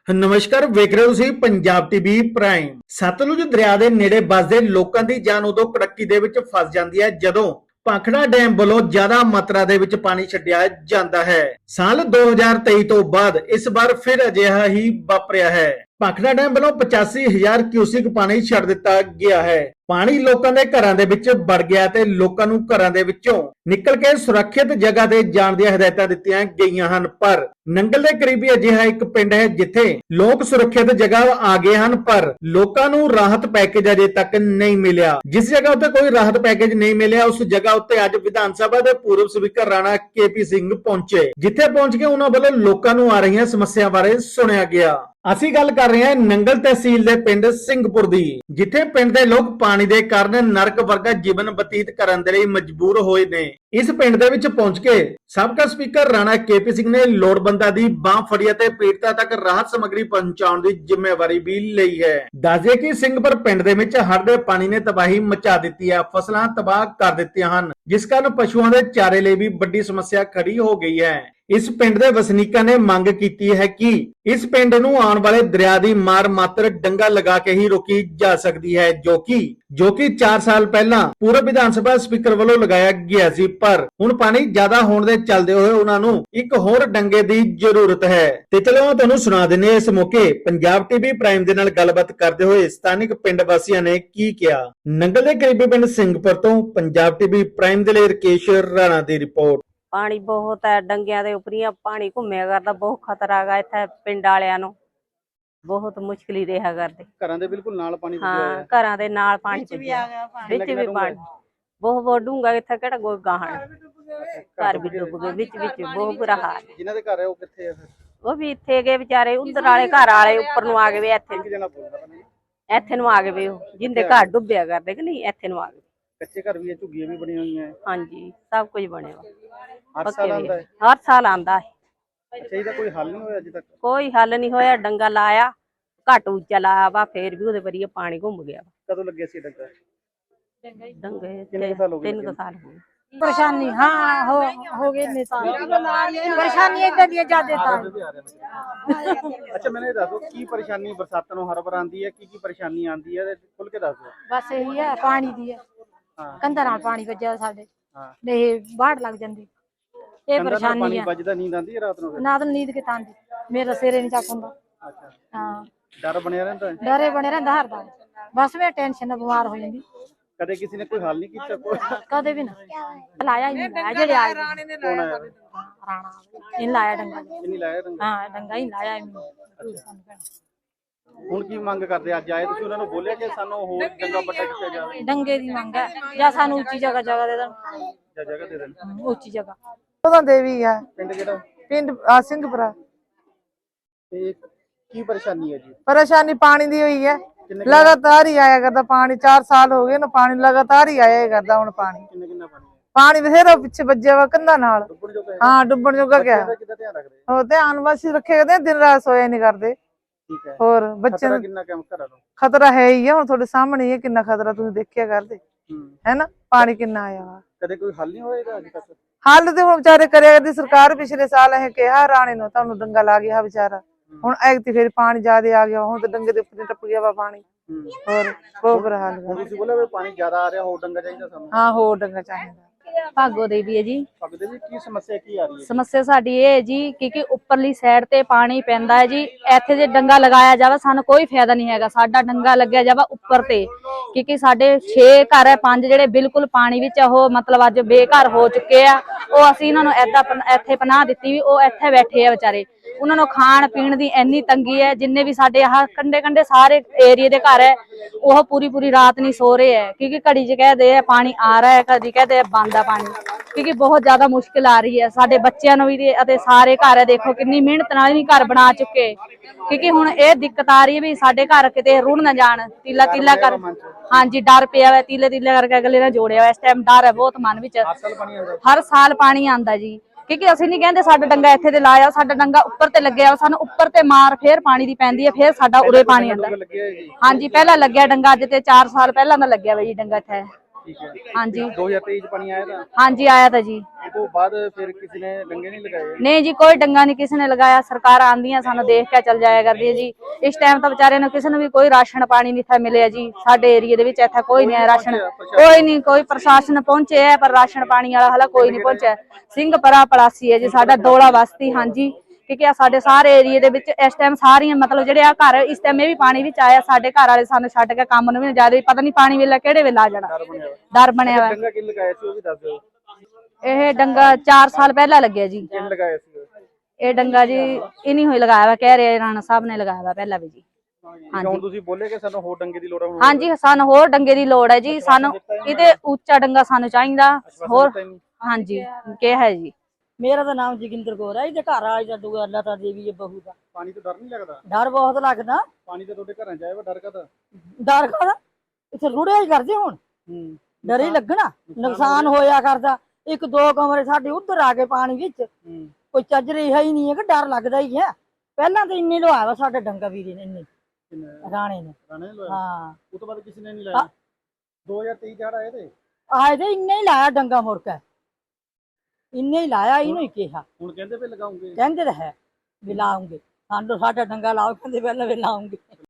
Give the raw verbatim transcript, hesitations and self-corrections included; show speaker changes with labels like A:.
A: ਨਮਸਕਾਰ, ਵੇਖ ਰਹੇ ਹੋ ਤੁਸੀਂ ਪੰਜਾਬ ਟੀਵੀ ਪ੍ਰਾਈਮ। ਸਤਲੁਜ ਦਰਿਆ ਦੇ ਨੇੜੇ ਵੱਸਦੇ ਲੋਕਾਂ ਦੀ ਜਾਨ ਉਦੋਂ ਕੜੱਕੀ ਦੇ ਵਿੱਚ ਫਸ ਜਾਂਦੀ ਹੈ ਜਦੋਂ ਭਾਖੜਾ ਡੈਮ ਵੱਲੋਂ ਜ਼ਿਆਦਾ ਮਾਤਰਾ ਦੇ ਵਿੱਚ ਪਾਣੀ ਛੱਡਿਆ ਜਾਂਦਾ ਹੈ। ਸਾਲ ਦੋ ਹਜ਼ਾਰ ਤੇਈ ਤੋਂ ਬਾਅਦ ਇਸ ਵਾਰ ਫਿਰ ਅਜਿਹਾ ਹੀ ਵਾਪਰਿਆ ਹੈ। ਭਾਖੜਾ ਡੈਮ ਵੱਲੋਂ ਪਚਾਸੀ ਹਜ਼ਾਰ ਕਿਊਸਿਕ ਪਾਣੀ ਛੱਡ ਦਿੱਤਾ ਗਿਆ ਹੈ। ਪਾਣੀ ਲੋਕਾਂ ਦੇ ਘਰਾਂ ਦੇ ਵਿੱਚ ਵੜ ਗਿਆ ਤੇ ਲੋਕਾਂ ਨੂੰ ਘਰਾਂ ਦੇ ਵਿੱਚੋਂ ਨਿਕਲ ਕੇ ਸੁਰੱਖਿਅਤ ਜਗ੍ਹਾ ਤੇ ਜਾਣ ਦੀਆਂ ਹਦਾਇਤਾਂ ਦਿੱਤੀਆਂ ਗਈਆਂ ਹਨ, ਪਰ ਨੰਗਲ ਦੇ ਕਰੀਬੀ ਅਜਿਹਾ ਇੱਕ ਪਿੰਡ ਹੈ ਜਿੱਥੇ ਲੋਕ ਸੁਰੱਖਿਅਤ ਜਗ੍ਹਾ ਆ ਗਏ ਹਨ, ਪਰ ਲੋਕਾਂ ਨੂੰ ਰਾਹਤ ਪੈਕੇਜ ਅਜੇ ਤੱਕ ਨਹੀਂ ਮਿਲਿਆ। ਜਿਸ ਜਗ੍ਹਾ ਉੱਤੇ ਕੋਈ ਰਾਹਤ ਪੈਕੇਜ ਨਹੀਂ ਮਿਲਿਆ, ਉਸ ਜਗ੍ਹਾ ਉੱਤੇ ਅੱਜ ਵਿਧਾਨ ਸਭਾ ਦੇ ਪੂਰਵ speaker Rana K P Singh ਪਹੁੰਚੇ, ਜਿੱਥੇ ਪਹੁੰਚ ਕੇ ਉਹਨਾਂ ਵੱਲੋਂ ਲੋਕਾਂ ਨੂੰ ਆ ਰਹੀਆਂ ਸਮੱਸਿਆ ਬਾਰੇ ਸੁਣਿਆ ਗਿਆ। ਅਸੀਂ ਗੱਲ ਕਰ ਰਹੇ ਹਾਂ ਨੰਗਲ ਤਹਿਸੀਲ ਦੇ ਪਿੰਡ ਸਿੰਘਪੁਰ ਦੀ, ਜਿੱਥੇ ਪਿੰਡ ਦੇ ਲੋਕ ਪਾਣੀ ਦੇ ਕਾਰਨ ਨਰਕ ਵਰਗਾ ਜੀਵਨ ਬਤੀਤ ਕਰਨ ਦੇ ਲਈ ਮਜਬੂਰ ਹੋਏ ਨੇ। ਇਸ ਪਿੰਡ ਦੇ ਵਿੱਚ ਪਹੁੰਚ ਕੇ ਸਾਬਕਾ speaker Rana K P Singh ਨੇ ਲੋੜਵੰਦਾਂ ਦੀ ਬਾਹ ਫੜੀ ਅਤੇ ਪੀੜਤਾਂ ਤੱਕ ਰਾਹਤ ਸਮੱਗਰੀ ਪਹੁੰਚਾਉਣ ਦੀ ਜ਼ਿੰਮੇਵਾਰੀ ਵੀ ਲਈ ਹੈ। ਦੱਸਦੇ ਕਿ ਸਿੰਘਪੁਰ ਪਿੰਡ ਦੇ ਵਿੱਚ ਹੜ੍ਹ ਦੇ ਪਾਣੀ ਨੇ ਤਬਾਹੀ ਮਚਾ ਦਿੱਤੀ ਹੈ, ਫਸਲਾਂ ਤਬਾਹ ਕਰ ਦਿੱਤੀਆਂ ਹਨ, ਜਿਸ ਕਾਰਨ ਪਸ਼ੂਆਂ ਦੇ ਚਾਰੇ ਲਈ ਵੀ ਵੱਡੀ ਸਮੱਸਿਆ ਖੜੀ ਹੋ ਗਈ ਹੈ। ਇਸ ਪਿੰਡ ਦੇ ਵਸਨੀਕਾਂ ਨੇ ਮੰਗ ਕੀਤੀ ਹੈ ਕਿ ਇਸ ਪਿੰਡ ਨੂੰ ਆਉਣ ਵਾਲੇ ਦਰਿਆ ਦੀ ਮਾਰ ਮਾਤਰ ਡੰਗਾ ਲਗਾ ਕੇ ਹੀ ਰੋਕੀ ਜਾ ਸਕਦੀ ਹੈ, ਜੋ ਕਿ ਜੋ ਕਿ ਚਾਰ ਸਾਲ ਪਹਿਲਾਂ ਪੂਰਵ ਵਿਧਾਨ ਸਭਾ ਸਪੀਕਰ ਵੱਲੋਂ ਲਗਾਇਆ ਗਿਆ ਸੀ, ਪਰ ਹੁਣ ਪਾਣੀ ਜ਼ਿਆਦਾ ਹੋਣ ਦੇ ਚੱਲਦੇ ਹੋਏ ਉਹਨਾਂ ਨੂੰ ਇੱਕ ਹੋਰ ਡੰਗੇ ਦੀ ਜ਼ਰੂਰਤ ਹੈ। ਤੇ ਚਲੋ ਤੁਹਾਨੂੰ ਸੁਣਾ ਦਿੰਨੇ ਇਸ ਮੌਕੇ ਪੰਜਾਬ ਟੀਵੀ ਪ੍ਰਾਈਮ ਦੇ ਨਾਲ ਗੱਲਬਾਤ ਕਰਦੇ ਹੋਏ ਸਥਾਨਕ ਪਿੰਡ ਵਾਸੀਆਂ ਨੇ ਕੀ ਕਿਹਾ। ਨੰਗਲ ਦੇ ਕਰੀਬੀ ਪਿੰਡ ਸਿੰਘਪੁਰ ਤੋਂ ਪੰਜਾਬ ਟੀਵੀ ਪ੍ਰਾਈਮ ਦੇ ਲਈ ਰਕੇਸ਼ ਰਾਣਾ ਦੀ ਰਿਪੋਰਟ।
B: पानी बहुत है, डंगिया दे उपरिया पानी घूमिया करता, बहुत खतरा है इत्थे पिंड वालियां नूं, बहुत मुश्किल ही रहा करदे।
C: घरां दे बिल्कुल नाल पानी
B: हाँ, घरां दे नाल पानी विच भी पानी बहुत बहुत डूंगा, इत्थे किहड़ा कोई गाहण घर भी डुब गए, विच विच बहुत बुरा हाल है।
C: जिन्हां दे घर है ओह कित्थे है फिर?
B: वो भी इत्थे गए बेचारे, उधर वाले घर वाले उपर नूं आ गए, इत्थे
C: एक जना बोलदा नहीं,
B: इत्थे नूं आ गए, जिंदे घर डुबिया करदे कि नहीं, इत्थे नूं आ गए।
C: कच्चे घर भी है, झुग्गियां भी बनी हुई हैं।
B: हाँ जी, सब कुछ बने हुआ,
C: हर साल आंदा है,
B: हर साल आंदा है।
C: अच्छा ਇਹਦਾ ਕੋਈ ਹੱਲ ਨਹੀਂ ਹੋਇਆ ਅਜੇ ਤੱਕ?
B: कोई हल नहीं होया, डंगा लाया घट उच्चा लाया वा, फिर भी ਉਹਦੇ ਵਰੀਏ ਪਾਣੀ ਘੁੰਮ ਗਿਆ।
C: ਕਦੋਂ ਲੱਗਿਆ ਸੀ ਡੰਗਾ?
B: डंगे
C: कितने साल हो गए?
B: तीन साल हो गए।
D: परेशानी हाँ हो हो गए निशान परेशानी इधर दिए जाते था।
C: ਅੱਛਾ ਮੈਨੂੰ ਇਹ ਦੱਸੋ ਕੀ ਪਰੇਸ਼ਾਨੀ ਬਰਸਾਤਾਂ ਨੂੰ ਹਰ ਵਾਰ ਆਂਦੀ ਹੈ, ਕੀ ਕੀ ਪਰੇਸ਼ਾਨੀ ਆਂਦੀ ਹੈ, ਖੁੱਲ ਕੇ ਦੱਸ ਦਿਓ।
D: बस यही है पानी दी है,
C: ਹਾਂ
D: कंधा नाल पानी वजया साडे
C: ਹਾਂ
D: नहीं बाढ़ लग जाती, ये परेशानी
C: ਪਾਣੀ
D: है।
C: ਵੱਜਦਾ ਨੀਂਦ ਆਂਦੀ ਹੈ ਰਾਤ ਨੂੰ ਫਿਰ?
D: ना तो नींद के तांदी मेरा सिरे नहीं चक हुंदा।
C: ਅੱਛਾ
D: हाँ
C: ਡਰ ਬਣਿਆ ਰਹਿੰਦਾ ਹੈ?
D: डरे बने रहिंदा हर दा, बस मैं टेंशन बीमार हो जांदी,
C: ਕਦੇ ਕਿਸੇ ਨੇ ਕੋਈ ਹੱਲ ਨਹੀਂ ਕੀਤਾ? ਕੋਈ
D: कदे भी ना लाया ही नहीं लाया, जेड़े आए
C: ਕੌਣ ਆਇਆ?
D: राणा इन लाया डंगा।
C: ਇਹ ਨਹੀਂ ਲਾਇਆ ਡੰਗਾ?
D: हाँ डंगा ही लाया इन।
C: ਹੁਣ ਕੀ ਮੰਗ ਕਰਦੇ? ਅੱਜ ਆਏ ਤੁਸੀਂ, ਉਹਨਾਂ ਨੂੰ ਬੋਲਿਆ ਕਿ ਸਾਨੂੰ ਹੋਰ ਡੰਗਾ ਪੱਟਾ ਕੀਤਾ ਜਾਵੇ
D: डंगे दी मंग है या सानू ऊंची जगह जगह दे देन,
C: ਜਾਂ ਜਗ੍ਹਾ ਦੇ ਦੇਣ?
D: ऊंची जगह।
E: ਉਹਦਾ ਦੇਵੀ ਆ
C: ਪਿੰਡ ਕਿਹੜਾ?
E: ਪਿੰਡ ਆ ਸਿੰਘਪੁਰਾ।
C: ਤੇ ਕੀ ਪਰੇਸ਼ਾਨੀ ਹੈ ਜੀ?
E: ਪਰੇਸ਼ਾਨੀ ਪਾਣੀ ਦੀ ਹੋਈ ਹੈ,
C: ਕਿੰਨੇ
E: ਲਗਾਤਾਰ ਹੀ ਆਇਆ ਕਰਦਾ ਪਾਣੀ, ਚਾਰ ਸਾਲ ਹੋ ਗਏ ਨਾ ਪਾਣੀ ਲਗਾਤਾਰ ਹੀ ਆਇਆ ਕਰਦਾ। ਹੁਣ ਪਾਣੀ
C: ਕਿੰਨੇ ਕਿੰਨਾ ਪਾਣੀ ਹੈ?
E: ਪਾਣੀ ਬਥੇਰਾ ਪਿੱਛੇ ਵੱਜਿਆ ਵਾ ਕੰਧਾਂ ਨਾਲ।
C: ਡੁੱਬਣ ਜੋਗਾ ਹੈ?
E: ਹਾਂ ਡੁੱਬਣ ਜੋਗਾ ਕਿਆ
C: ਇਹਦਾ ਕਿੱਦਾਂ ਧਿਆਨ ਰੱਖਦੇ?
E: ਉਹ ਧਿਆਨ ਬਸ ਰੱਖੇ ਕਰਦੇ, ਦਿਨ ਰਾਤ ਸੋਇਆ ਨਹੀਂ ਕਰਦੇ।
C: ਠੀਕ ਹੈ।
E: ਹੋਰ ਬੱਚੇ
C: ਖਤਰਾ
E: ਨੂੰ
C: ਕਿੰਨਾ ਕੰਮ ਘਰਾਂ ਨੂੰ?
E: ਖਤਰਾ ਹੈ ਹੀ ਆ, ਹੁਣ ਤੁਹਾਡੇ ਸਾਹਮਣੇ ਹੀ ਹੈ ਕਿੰਨਾ ਖਤਰਾ, ਤੁਸੀਂ ਦੇਖਿਆ ਕਰਦੇ
C: ਹੂੰ।
E: ਹੈ ਨਾ ਪਾਣੀ ਕਿੰਨਾ ਆਇਆ ਵਾ।
C: ਕਦੇ ਕੋਈ ਹੱਲ ਨਹੀਂ ਹੋਏਗਾ ਅਜੇ ਤੱਕ?
E: ਹੱਲ ਤੇ ਹੁਣ ਵਿਚਾਰੇ ਕਰਿਆ ਕਰਦੀ ਸਰਕਾਰ, ਪਿਛਲੇ ਸਾਲ ਇਹ ਕਿਹਾ ਰਾਣੇ ਨੂੰ ਤੁਹਾਨੂੰ ਡੰਗਾ ਲਾ ਗਿਆ ਵਿਚਾਰਾ, ਹੁਣ ਐਗਤੀ ਫਿਰ ਪਾਣੀ ਜ਼ਿਆਦਾ ਆ ਗਿਆ, ਹੁਣ ਤੇ ਡੰਗੇ ਦੇ ਉੱਪਰ ਟੱਪ ਗਿਆ ਵਾ ਪਾਣੀ।
C: ਹੂੰ।
E: ਹੋਰ ਬਹੁਤ ਬੁਰਾ ਹਾਲ
C: ਹੁਣ
E: ਹੈ।
C: ਤੁਸੀਂ ਬੋਲਿਆ ਵੀ ਪਾਣੀ ਜ਼ਿਆਦਾ ਆ ਰਿਹਾ, ਹੋਰ ਡੰਗਾ ਚਾਹੀਦਾ ਸਾਨੂੰ।
E: ਹਾਂ ਹੋਰ ਡੰਗਾ ਚਾਹੀਦਾ।
F: ਭਾਗੋ ਦੇਵੀ ਹੈ ਜੀ।
C: ਪੱਗਦੇ ਵੀ ਕੀ ਸਮੱਸਿਆ ਕੀ ਆ ਰਹੀ ਹੈ?
F: ਸਮੱਸਿਆ ਸਾਡੀ ਇਹ ਹੈ ਜੀ ਕਿ ਉੱਪਰਲੀ ਸਾਈਡ ਤੇ ਪਾਣੀ ਪੈਂਦਾ ਹੈ ਜੀ, ਇੱਥੇ ਜੇ ਡੰਗਾ ਲਗਾਇਆ ਜਾਵੇ ਸਾਨੂੰ ਕੋਈ ਫਾਇਦਾ ਨਹੀਂ ਹੈਗਾ। ਸਾਡਾ ਡੰਗਾ ਲੱਗਿਆ ਜਾਵੇ ਉੱਪਰ ਤੇ, ਕਿਉਂਕਿ ਸਾਡੇ ਛੇ ਘਰ ਹੈ, ਪੰਜ ਜਿਹੜੇ ਬਿਲਕੁਲ ਪਾਣੀ ਵਿੱਚ ਉਹ ਮਤਲਬ ਅੱਜ ਬੇਘਰ ਹੋ ਚੁੱਕੇ ਆ, ਉਹ ਅਸੀਂ ਇਹਨਾਂ ਨੂੰ ਏਦਾਂ ਇੱਥੇ ਪਨਾਹ ਦਿੱਤੀ ਵੀ ਉਹ ਇੱਥੇ ਬੈਠੇ ਆ ਵਿਚਾਰੇ। ਉਹਨਾਂ ਨੂੰ ਖਾਣ ਪੀਣ ਦੀ ਇੰਨੀ ਤੰਗੀ ਹੈ, ਜਿੰਨੇ ਵੀ ਸਾਡੇ ਆਹ ਕੰਡੇ ਕੰਡੇ ਸਾਰੇ ਏਰੀਏ ਦੇ ਘਰ ਹੈ ਉਹ ਪੂਰੀ ਪੂਰੀ ਰਾਤ ਨਹੀਂ ਸੋ ਰਹੇ ਹੈ, ਕਿਉਂਕਿ ਘੜੀ ਚ ਕਹਦੇ ਆ ਪਾਣੀ ਆ ਰਿਹਾ ਹੈ, ਕਦੀ ਕਹਦੇ ਬੰਦ ਆ ਪਾਣੀ, ਕਿਉਂਕਿ ਬਹੁਤ ਜ਼ਿਆਦਾ ਮੁਸ਼ਕਿਲ ਆ ਰਹੀ ਹੈ ਸਾਡੇ ਬੱਚਿਆਂ ਨੂੰ ਵੀ ਅਤੇ ਸਾਰੇ ਘਰ ਹੈ। ਦੇਖੋ ਕਿੰਨੀ ਮਿਹਨਤ ਨਾਲ ਵੀ ਘਰ ਬਣਾ ਚੁੱਕੇ, ਕਿਉਂਕਿ ਹੁਣ ਇਹ ਦਿੱਕਤ ਆ ਰਹੀ ਹੈ ਵੀ ਸਾਡੇ ਘਰ ਕਿਤੇ ਰੁੜ ਨਾ ਜਾਣ। ਤੀਲਾ ਤੀਲਾ ਕਰ ਹਾਂਜੀ ਡਰ ਪਿਆ ਵਾ, ਤੀਲੇ ਤੀਲੇ ਕਰਕੇ ਅਗਲੇ ਨੇ ਜੋੜਿਆ ਵਾ, ਇਸ ਟਾਈਮ ਡਰ ਹੈ ਬਹੁਤ ਮਨ ਵਿੱਚ। ਹਰ ਸਾਲ ਪਾਣੀ ਆਂਦਾ ਜੀ, ਕਿਉਂਕਿ ਅਸੀਂ ਨਹੀਂ ਕਹਿੰਦੇ ਸਾਡਾ ਡੰਗਾ ਇੱਥੇ ਤੇ ਲਾਇਆ, ਸਾਡਾ ਡੰਗਾ ਉੱਪਰ ਤੇ ਲੱਗਿਆ, ਸਾਨੂੰ ਉੱਪਰ ਤੇ ਮਾਰ ਫੇਰ ਪਾਣੀ ਦੀ ਪੈਂਦੀ ਹੈ, ਫੇਰ ਸਾਡਾ ਉਰੇ ਪਾਣੀ ਆਂਦਾ। ਹਾਂਜੀ ਪਹਿਲਾਂ ਲੱਗਿਆ ਡੰਗਾ, ਅੱਜ ਤੇ ਚਾਰ ਸਾਲ ਪਹਿਲਾਂ ਦਾ ਲੱਗਿਆ ਵਾ ਜੀ ਡੰਗਾ ਇੱਥੇ।
C: ਠੀਕ ਹੈ।
F: ਹਾਂਜੀ
C: ਦੋ ਹਜ਼ਾਰ ਤੇਈ ਚ ਪਾਣੀ ਆਇਆ ਤਾਂ
F: ਹਾਂਜੀ ਆਇਆ ਤਾਂ ਜੀ।
C: ਉਸ ਤੋਂ ਬਾਅਦ ਫਿਰ ਕਿਸੇ ਨੇ ਡੰਗੇ ਨਹੀਂ ਲਗਾਏ?
F: ਨਹੀਂ ਜੀ ਕੋਈ ਡੰਗਾ ਨਹੀਂ ਕਿਸੇ ਨੇ ਲਗਾਇਆ। ਸਰਕਾਰ ਆਂਦੀਆਂ ਸਾਨੂੰ ਦੇਖ ਕੇ ਚੱਲ ਜਾਇਆ ਕਰਦੀ ਹੈ ਜੀ। ਇਸ ਟਾਈਮ ਤਾਂ ਵਿਚਾਰੇ ਨੂੰ ਕਿਸੇ ਨੂੰ ਵੀ ਕੋਈ ਰਾਸ਼ਨ ਪਾਣੀ ਨਹੀਂ ਇੱਥੇ ਮਿਲਿਆ ਜੀ। ਸਾਡੇ ਏਰੀਏ ਦੇ ਵਿੱਚ ਇੱਥੇ ਕੋਈ ਨਹੀਂ ਰਾਸ਼ਨ, ਕੋਈ ਨਹੀਂ, ਕੋਈ ਪ੍ਰਸ਼ਾਸਨ ਪਹੁੰਚੇ ਹੈ ਪਰ ਰਾਸ਼ਨ ਪਾਣੀ ਵਾਲਾ ਹਾਲਾ ਕੋਈ ਨਹੀਂ ਪਹੁੰਚਿਆ। ਸਿੰਘਪਰਾ ਪਲਾਸੀ ਹੈ ਜੀ ਸਾਡਾ ਦੋਲਾ ਬਸਤੀ। ਹਾਂਜੀ ਕਿਉਂਕਿ ਆ ਸਾਡੇ ਸਾਰੇ ਏਰੀਏ ਦੇ ਵਿੱਚ ਇਸ ਟਾਈਮ ਸਾਰੀਆਂ ਮਤਲਬ ਜਿਹੜੇ ਆ ਘਰ ਇਸ ਟਾਈਮ ਇਹ ਵੀ ਪਾਣੀ ਵਿੱਚ ਆਇਆ। ਸਾਡੇ ਘਰ ਵਾਲੇ ਸਾਨੂੰ ਛੱਡ ਕੇ ਕੰਮ ਨੂੰ ਵੀ ਜਿਆਦਾ ਪਤਾ ਨਹੀਂ ਪਾਣੀ ਵੇਲੇ ਕਿਹੜੇ ਵੇਲੇ ਆ ਜਾਣਾ, ਡਰ ਬਣਿਆ ਵਾ।
C: ਡੰਗਾ ਕਿੰਨ ਲਗਾਇਆ ਸੀ ਉਹ ਵੀ ਦੱਸ ਦਿਓ।
F: ਇਹ ਡੰਗਾ ਚਾਰ ਸਾਲ ਪਹਿਲਾਂ ਲੱਗਿਆ ਜੀ।
C: ਕਿੰਨ ਲਗਾਇਆ ਸੀ?
F: ਇਹ ਡੰਗਾ ਜੀ ਇਹ ਨਹੀਂ ਹੋਈ ਲਗਾਇਆ ਵਾ, ਕਹਿ ਰਹੇ ਰਾਣਾ ਸਾਹਿਬ ਨੇ ਲਗਾਇਆ ਵਾ ਪਹਿਲਾਂ ਵੀ ਜੀ।
C: ਹੁਣ ਤੁਸੀਂ ਬੋਲੇ ਕਿ ਸਾਨੂੰ ਹੋਰ ਡੰਗੇ ਦੀ ਲੋੜ ਹੈ?
F: ਹਾਂਜੀ ਸਾਨੂੰ ਹੋਰ ਡੰਗੇ ਦੀ ਲੋੜ ਹੈ ਜੀ। ਸਾਨੂੰ ਇਹਦੇ ਉੱਚਾ ਡੰਗਾ ਸਾਨੂੰ ਚਾਹੀਦਾ ਹੋਰ। ਹਾਂਜੀ ਕਿਹਾ ਹੈ ਜੀ।
D: ਮੇਰਾ ਤਾਂ ਨਾਮ ਜੋਗਿੰਦਰ ਕੌਰ ਹੈ। ਇਹਦੇ ਘਰ ਆ ਦੂਆ ਲਤਾ ਦੇਵੀ ਹੈ ਬਹੂ ਦਾ।
C: ਪਾਣੀ ਤੋਂ ਡਰ ਨਹੀਂ ਲੱਗਦਾ?
D: ਡਰ ਬਹੁਤ ਲੱਗਦਾ।
C: ਪਾਣੀ ਤਾਂ ਤੁਹਾਡੇ ਘਰਾਂ ਚ ਆਇਆ ਵਾ, ਡਰ ਕਾਹਦਾ?
D: ਡਰ ਕਾਹਦਾ, ਇੱਥੇ ਰੁੜਿਆ ਹੀ ਕਰਦੇ ਹੁਣ,
C: ਹੂੰ
D: ਡਰ ਹੀ ਲੱਗਣਾ। ਨੁਕਸਾਨ ਹੋਇਆ ਕਰਦਾ। ਇੱਕ ਦੋ ਕਮਰੇ ਸਾਡੇ ਉੱਧਰ ਆ ਗਏ ਪਾਣੀ ਵਿੱਚ,
C: ਹੂੰ
D: ਕੋਈ ਚੱਜ ਰਿਹਾ ਹੀ ਨਹੀਂ ਹੈ ਕਿ ਡਰ ਲੱਗਦਾ ਹੀ ਹੈ। ਪਹਿਲਾਂ ਤਾਂ ਇੰਨੇ ਲਵਾਇਆ ਵਾ ਸਾਡੇ ਡੰਗਾ ਵੀਰੇ ਨੇ, ਇੰਨੇ ਰਾਣੇ ਨੇ।
C: ਰਾਣੇ ਨੇ ਲਾਇਆ?
D: ਹਾਂ
C: ਉਸ ਤੋਂ ਬਾਅਦ ਕਿਸੇ ਨੇ ਨਹੀਂ ਲਾਇਆ? ਦੋ ਹਜ਼ਾਰ ਤੇਈ ਚੜ ਆਏ ਤੇ
D: ਆਏ ਤੇ ਇੰਨੇ ਹੀ ਲਾਇਆ ਡੰਗਾ ਮੁੜ ਕੇ, ਇੰਨੇ ਹੀ ਲਾਇਆ। ਇਹਨੂੰ ਹੀ ਕਿਹਾ,
C: ਹੁਣ ਕਹਿੰਦੇ ਵੀ ਲਗਾਉਂਗੇ।
D: ਕਹਿੰਦੇ ਤਾਂ ਹੈ ਵੀ ਲਾਉਂਗੇ, ਸਾਨੂੰ ਸਾਡਾ ਡੰਗਾ ਲਾਓ, ਕਹਿੰਦੇ ਪਹਿਲਾਂ ਵੀ ਲਾਉਂਗੇ।